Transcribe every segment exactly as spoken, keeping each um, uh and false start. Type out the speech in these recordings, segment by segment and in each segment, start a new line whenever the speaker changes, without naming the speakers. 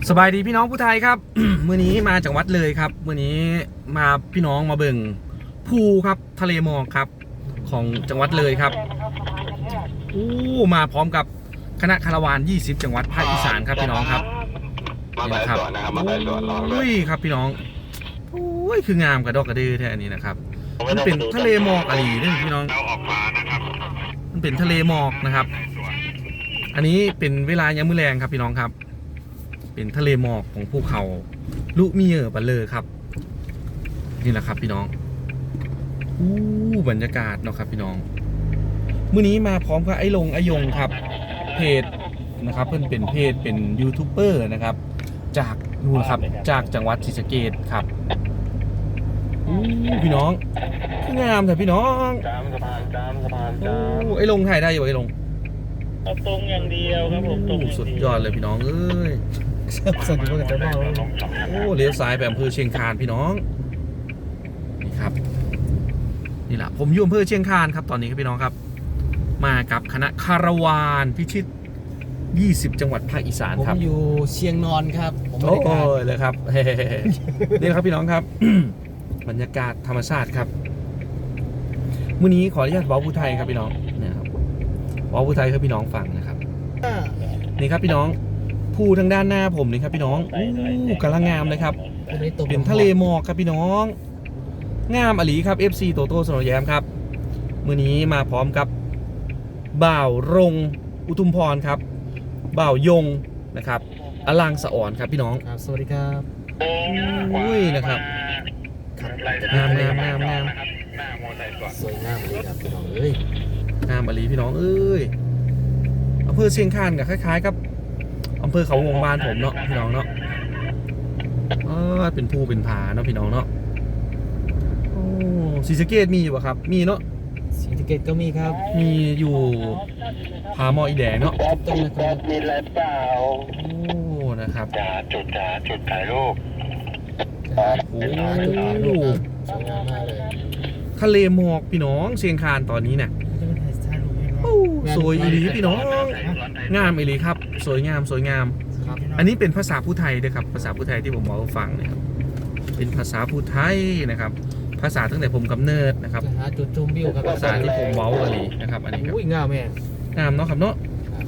สบายดีพี่น้องผู้ไทยครับ มื้อนี้มาจากวัดเลยครับมื้อนี้มาพี่น้องมาเบิ่งภูครับทะเลหมอกครับของจังหวัดเลยครับอู้มาพร้อมกับคณะคาราวานยี่สิบจังหวัดภาคอีสานครับพี่น้องครับนี่นะครับอุ้ยครับพี่น้องอุ้ยคืองามกระดอกกระดือแท้นี้นะครับมันเป็นทะเลหมอกอะไรนี่พี่น้องมันเป็นทะเลหมอกนะครับอันนี้เป็นเวลายามมื้อแลงครับพี่น้องครับเป็นทะเลหมอกของภูเขาลุมิเยอร์บัลเลอร์ครับนี่แหละครับพี่น้องอู้บรรยากาศเนาะครับพี่น้องมื้อนี้มาพร้อมกับไอ้ลงไอ้ยงครับเพจนะครับเพื่อนเป็นเพจเป็นยูทูบเบอร์นะครับจากนู่นครับจากจังหวัดศรีสะเกษครับอู้พี่น้องคืองามแต่พี่น้องจามสะพานจามสะพานจามไอ้ลงถ่ายได้อยู่ไอ้ลง
เอาตรงอย่างเดียวครับผมตรง
สุดยอดเลยพี่น้องเอ้ย
สวัสดีครับจะบอก
โอ้เลี้ยวซ้ายไปอำเภอเชียงคานพี่น้องนี่ครับนี่แหละผมอยู่อำเภอเชียงคานครับตอนนี้ครับพี่น้องครับมากับคณะคาราวานพิชิตยี่สิบจังหวัดภาคอีสานครับ
ผมอยู่เชียงนอนครับผม
โอ้ยเลยครับนี่ครับพี่น้องครับ บรรยากาศธรรมชาติครับมื้อนี้ขออนุญาตเว้าผู้ไทยครับพี่น้องนะครับเว้าผู้ไทยครับพี่น้องฟังนะครับนี่ครับพี่น้องภูทางด้านหน้าผมนี่ครับพี่น้องอู้กำลังงามเลยครับเป็นทะเลหมอกครับพี่น้องงามอลีครับ เอฟ ซี โตโต้สโนว์แยมครับมื้อนี้มาพร้อมกับบ่าวรงอุทุมพรครับบ่าวยงนะครับอลังสะอ่อนครับพี่น้อง
ครับสวัสดีครับ
อุ้ยนะครับงามงามงามงาม
สวยงามเลยครับพี่น้องเอ้ย
งามอลีพี่น้องเอ้ยอำเภอเชียงคานกับคล้ายๆกับอำเภอเขาวงบ้านผมเนาะพี่น้องเนาะเออเป็นภูเป็นผาเนาะพี่น้องเนาะโอ้ศรีสะเกษมีอยู่ป่ะครับมีเนาะ
ศรีสะเกษก็มีครับ
มีอยู่ผาหมออีแดงเนาะ
ต้องนะครับมีอะไรเปล่า
โอ้นะครับ
จ่าจุดจ่าจุดถ่ายรูป
โอ้
จุดถ่ายรูปสวยงามมากเลย
ทะเลหมอกพี่น้องเชียงคานตอนนี้เนี่ยสวยอีหลีพี่น้องงามอีหลีครับสวยงามสวยงามอันนี้เป็นภาษาพูดไทยด้วยครับภาษาพูดไทยที่ผมบอกฟังเนี่ยเป็นภาษาพูดไทยนะครับภาษาตั้งแต่ผมกำเนิดนะครับ
หาจุดชมวิวครับ
ภาษาที่ผมเว้าอะไรนะครับอันนี้ครับ
อุ้ยงามแม่
งามเนาะครับเนาะ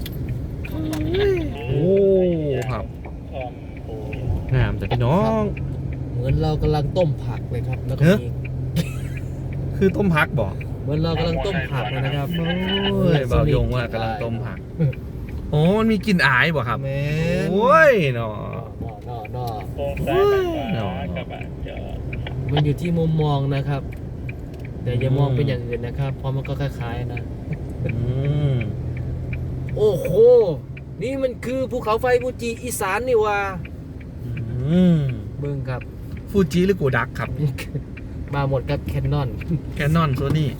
โอ้ครับงามแต่พี่น้อง
เหมือนเรากำลังต้มผักเลยครับแล้วก็มี
คือต้มผักบอก
เหมือนเรากำลังต้มผักเลยนะครับ
โอ้ยบ่าวยงว่ากำลังต้มผักโอ้มันมีกลิ่นอายบ่ครับ
แม่
โอ้ยเนาะ
เนาะเนาะเนาะมันอยู่ที่มุมมองนะครับแต่อย่ามองเป็นอย่างอื่นนะครับเพราะมันก็คล้ายๆนะโอ้โหนี่มันคือภูเขาไฟฟูจิอีสานนี่ว่าเบิ่งครับ
ฟูจิหรือโกดักครับ
มาหมดกับแคนนอน
แคนนอนโซนี่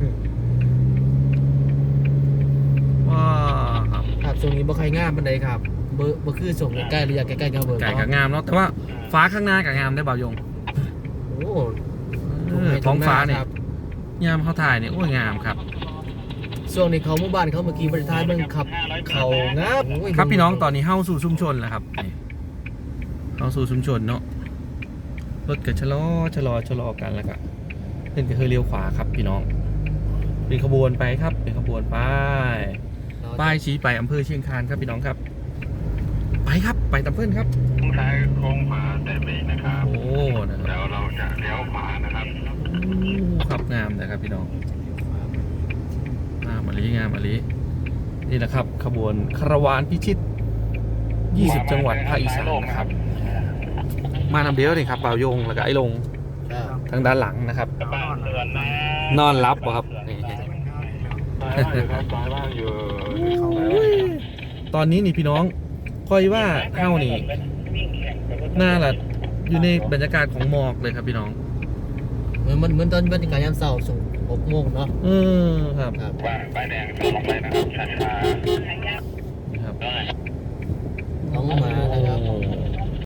ว้า
ครับช่วงนี้บ่ใครงามปานใดครับเบอร์บ่คือส่งใกล้ๆหรืออยากใกล้ๆก็เบอร์
ไก่กับงามเนาะแต่ว่าฟ้าข้างหน้ากับงามได้บ่าวยง
โอ้
ท้องฟ้าเนี่ยยามเขาถ่ายเนี่ยโอ้ยงามครับ
ช่วงนี้เขาหมู่บ้านเขาเมื่อกี้บริษัทเบิ่งขับเขางาม
ครับพี่น้องตอนนี้เข้าสู่ชุมชนแล้วครับเข้าสู่ชุมชนเนาะรถก็ชะลอชะลอชะลอกันแล้วก็เพื่อนก็เคยเลี้ยวขวาครับพี่น้องเป็นขบวนไปครับเป็นขบวนไปป้ายชี้ไปอำเภอเชียงคานครับพี่น้องครับไปครับไปตามเพื่อนครับ
ใช้โค้งขวาแต่เบรกนะครับ
โอ้นะครับ
แล้วเราจะเลี้ยวขวานะครับ
ขับงามนะครับพี่น้องงามอลีงามอลีนี่นะครับขบวนคาราวานพิชิตยี่สิบจังหวัดภาคอีสานนะครับมานำเดียวนี่ครับบ่าวยงแล้วก็ไอ้ลงทางด้านหลังนะครับนอนรับป่ะครับตอนนี้นี่พี่น้องคอยว่าเข้านี่หน้าละอยู่ในบรรยากาศของหมอกเลยครับพี่น้อง
เหมือนเหมือนตอนบรรยากาศยามเช้าส่งหกโมงเนาะ
เออครับ
ป้ายแดงลงไปนะครับช้า
ๆนี่ครับท้องมานะครับ